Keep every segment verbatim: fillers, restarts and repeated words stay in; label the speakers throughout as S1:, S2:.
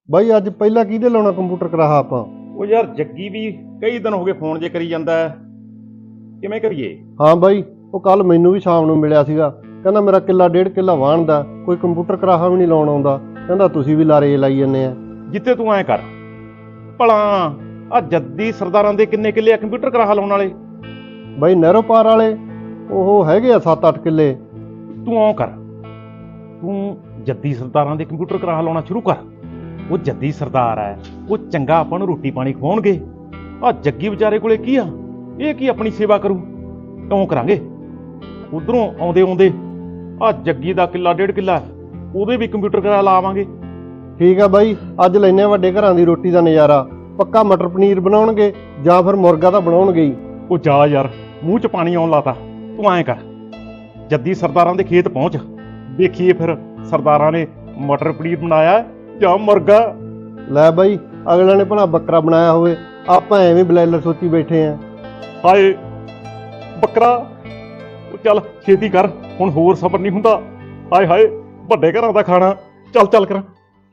S1: ਬਾਈ ਅੱਜ ਪਹਿਲਾਂ ਕਿਹਦੇ ਲਾਉਣਾ ਕੰਪਿਊਟਰ ਕਰਾਹਾ ਆਪਾਂ?
S2: ਉਹ ਯਾਰ ਜੱਗੀ ਵੀ ਕਈ ਦਿਨ ਹੋ ਗਏ ਫੋਨ ਜੇ ਕਰੀ ਜਾਂਦਾ ਹੈ, ਕਿਵੇਂ ਕਰੀਏ?
S1: ਹਾਂ ਬਾਈ, ਉਹ ਕੱਲ ਮੈਨੂੰ ਵੀ ਸ਼ਾਮ ਨੂੰ ਮਿਲਿਆ ਸੀਗਾ, ਕਹਿੰਦਾ ਮੇਰਾ ਕਿੱਲਾ ਡੇਢ ਕਿੱਲਾ ਵਾਹਣ ਦਾ, ਕੋਈ ਕੰਪਿਊਟਰ ਕਰਾਹਾ ਵੀ ਨਹੀਂ ਲਾਉਣ ਆਉਂਦਾ, ਕਹਿੰਦਾ ਤੁਸੀਂ ਵੀ ਲਾਰੇ ਲਾਈ ਜੰਨੇ ਆ।
S2: ਜਿੱਤੇ ਤੂੰ ਐਂ ਕਰ ਭਲਾ ਆ ਜੱਦੀ ਸਰਦਾਰਾਂ ਦੇ ਕਿੰਨੇ ਕਿੱਲੇ ਆ ਕੰਪਿਊਟਰ ਕਰਾਹਾ ਲਾਉਣ ਵਾਲੇ?
S1: ਬਾਈ ਨਹਿਰੋ ਪਾਰ ਵਾਲੇ ਉਹ ਹੈਗੇ ਆ ਸੱਤ ਅੱਠ ਕਿੱਲੇ।
S2: ਤੂੰ ਆਉਂ ਕਰ, ਤੂੰ ਜੱਦੀ ਸਰਦਾਰਾਂ ਦੇ ਕੰਪਿਊਟਰ ਕਰਾਹਾ ਲਾਉਣਾ ਸ਼ੁਰੂ ਕਰ। ਉਹ ਜੱਦੀ ਸਰਦਾਰ ਹੈ, ਉਹ ਚੰਗਾ ਆਪਾਂ ਨੂੰ ਰੋਟੀ ਪਾਣੀ ਖਵਾਉਣਗੇ। ਆ ਜੱਗੀ ਵਿਚਾਰੇ ਕੋਲੇ ਕੀ ਆ, ਇਹ ਕੀ ਆਪਣੀ ਸੇਵਾ ਕਰੂ? ਕਿਉਂ ਕਰਾਂਗੇ? ਉਧਰੋਂ ਆਉਂਦੇ ਆਉਂਦੇ ਆ ਜੱਗੀ ਦਾ ਕਿੱਲਾ ਡੇਢ ਕਿੱਲਾ ਉਹਦੇ ਵੀ ਕੰਪਿਊਟਰ ਕਰਾ ਲਾਵਾਂਗੇ।
S1: ਠੀਕ ਆ ਬਾਈ, ਅੱਜ ਲੈਨੇ ਵੱਡੇ ਘਰਾਂ ਦੀ ਰੋਟੀ ਦਾ ਨਜ਼ਾਰਾ। ਪੱਕਾ ਮਟਰ ਪਨੀਰ ਬਣਾਉਣਗੇ ਜਾਂ ਫਿਰ ਮੁਰਗਾ ਤਾਂ ਬਣਾਉਣਗੇ ਹੀ।
S2: ਉਹ ਜਾ ਯਾਰ, ਮੂੰਹ 'ਚ ਪਾਣੀ ਆਉਣ ਲਾਤਾ। ਤੂੰ ਐਂ ਕਰ, ਜੱਦੀ ਸਰਦਾਰਾਂ ਦੇ ਖੇਤ ਪਹੁੰਚ, ਦੇਖੀਏ ਫਿਰ ਸਰਦਾਰਾਂ ਨੇ ਮਟਰ ਪਨੀਰ ਬਣਾਇਆ ਜਾਂ ਮੁਰਗਾ।
S1: ਲੈ ਬਾਈ, ਅਗਲੇ ਨੇ ਭਲਾ ਬੱਕਰਾ ਬਣਾਇਆ ਹੋਵੇ, ਆਪਾਂ ਐਵੇਂ ਬਲੈਲਰ ਸੋਚੀ ਬੈਠੇ ਆਂ।
S2: ਹਾਏ ਬੱਕਰਾ, ਉਹ ਚੱਲ ਛੇਤੀ ਕਰ, ਹੁਣ ਹੋਰ ਸਬਰ ਨਹੀਂ ਹੁੰਦਾ। ਹਾਏ ਹਾਏ ਵੱਡੇ ਘਰਾਂ ਦਾ ਖਾਣਾ, ਚੱਲ ਚੱਲ ਕਰ।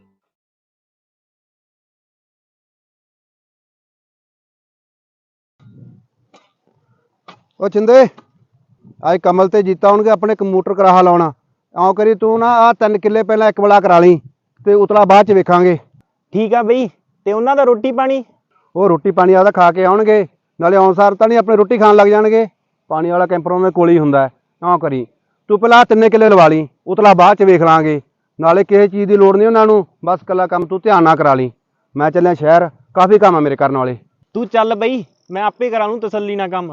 S3: ਉਹ ਚਿੰਦੇ ਅੱਜ ਕਮਲ ਤੇ ਜੀਤਾ ਆਉਣਗੇ ਆਪਣੇ ਕੰਪਿਊਟਰ ਕਰਾਹਾ ਲਾਉਣਾ। ਆਉਂ ਕਰੀ ਤੂੰ ਨਾ ਆਹ ਤਿੰਨ ਕਿੱਲੇ ਪਹਿਲਾਂ ਇੱਕ ਬਲਾ ਕਰਾ ਲਈ ਤੇ ਉਤਲਾ ਬਾਅਦ ਚ ਵੇਖਾਂਗੇ।
S4: ਠੀਕ ਆ ਬਈ, ਤੇ ਉਹਨਾਂ ਦਾ ਰੋਟੀ ਪਾਣੀ?
S3: ਉਹ ਰੋਟੀ ਪਾਣੀ ਆਦਾ ਖਾ ਕੇ ਆਉਣਗੇ, ਨਾਲੇ ਆਉਣਸਾਰ ਤਾਂ ਨਹੀਂ ਆਪਣੇ ਰੋਟੀ ਖਾਣ ਲੱਗ ਜਾਣਗੇ। ਪਾਣੀ ਵਾਲਾ ਕੈਂਪਰ ਉਹਨਾਂ ਦੇ ਕੋਲ ਹੀ ਹੁੰਦਾ ਹੈ। ਆਉਂ ਕਰੀ ਤੂੰ ਪਹਿਲਾਂ ਤਿੰਨੇ ਕਿੱਲੇ ਲਵਾ ਲਈ, ਉਤਲਾ ਬਾਅਦ ਚ ਵੇਖ ਲਾਂਗੇ। ਨਾਲੇ ਕਿਸੇ ਚੀਜ਼ ਦੀ ਲੋੜ ਨਹੀਂ ਉਹਨਾਂ ਨੂੰ, ਬਸ ਇਕੱਲਾ ਕੰਮ ਤੂੰ ਧਿਆਨ ਨਾਲ ਕਰਾ ਲਈ। ਮੈਂ ਚੱਲਿਆ ਸ਼ਹਿਰ, ਕਾਫੀ ਕੰਮ ਆ ਮੇਰੇ ਕਰਨ ਵਾਲੇ।
S4: ਤੂੰ ਚੱਲ ਬਈ, ਮੈਂ ਆਪੇ ਕਰਾ ਲੂੰ ਤਸੱਲੀ ਨਾਲ ਕੰਮ।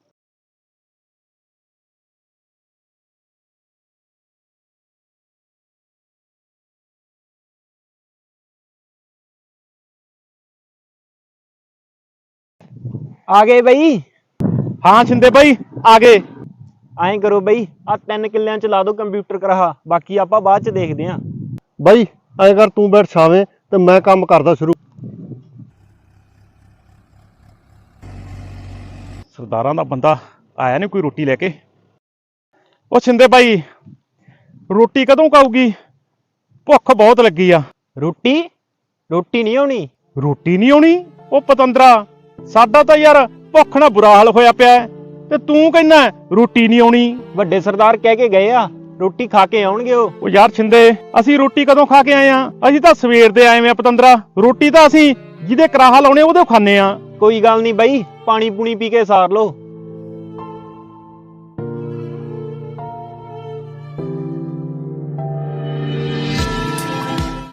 S4: ਆ ਗਏ ਬਈ?
S2: ਹਾਂ ਛਿੰਦੇ ਬਾਈ ਆ ਗਏ।
S4: ਐਂ ਕਰੋ ਬਈ, ਆ ਤਿੰਨ ਕਿੱਲਿਆਂ ਚ ਲਾ ਦੋ ਕੰਪਿਊਟਰ ਕਰਾਹਾ, ਬਾਕੀ ਆਪਾਂ ਬਾਅਦ ਚ ਦੇਖਦੇ ਆਂ।
S1: ਬਾਈ ਐਂ ਕਰ, ਤੂੰ ਬੈਠ ਛਾਵੇਂ ਤੇ ਮੈਂ ਕੰਮ ਕਰਦਾ ਸ਼ੁਰੂ।
S2: ਸਰਦਾਰਾਂ ਦਾ ਬੰਦਾ ਆਇਆ ਨਹੀਂ ਕੋਈ ਰੋਟੀ ਲੈ ਕੇ। ਉਹ ਛਿੰਦੇ ਬਾਈ, ਰੋਟੀ ਕਦੋਂ ਖਾਊਗੀ? ਭੁੱਖ ਬਹੁਤ ਲੱਗੀ ਆ।
S4: ਰੋਟੀ ਰੋਟੀ ਨਹੀਂ ਆਉਣੀ?
S2: ਰੋਟੀ ਨਹੀਂ ਆਉਣੀ? ਉਹ ਪਤੰਦਰਾ, ਸਾਡਾ ਤਾਂ ਯਾਰ ਭੁੱਖ ਨਾਲ ਬੁਰਾ ਹਾਲ ਹੋਇਆ ਪਿਆ, ਤੇ ਤੂੰ ਕਹਿੰਦਾ ਰੋਟੀ ਨਹੀਂ ਆਉਣੀ।
S4: ਵੱਡੇ ਸਰਦਾਰ ਕਹਿ ਕੇ ਗਏ ਆ ਰੋਟੀ ਖਾ ਕੇ ਆਉਣਗੇ ਉਹ।
S2: ਉਹ ਯਾਰ ਛਿੰਦੇ, ਅਸੀਂ ਰੋਟੀ ਕਦੋਂ ਖਾ ਕੇ ਆਏ ਆ? ਅਸੀਂ ਤਾਂ ਸਵੇਰ ਦੇ ਆਏ ਆ ਪਤੰਦਰਾ। ਰੋਟੀ ਤਾਂ ਅਸੀਂ ਜਿਹਦੇ ਕਰਾਹਾ ਲਾਉਣੇ ਉਹਦੇ ਖਾਣੇ ਆ।
S4: ਕੋਈ ਗੱਲ ਨਹੀਂ ਬਈ, ਪਾਣੀ ਪੂਣੀ ਪੀ ਕੇ ਸਾਰ ਲੋ,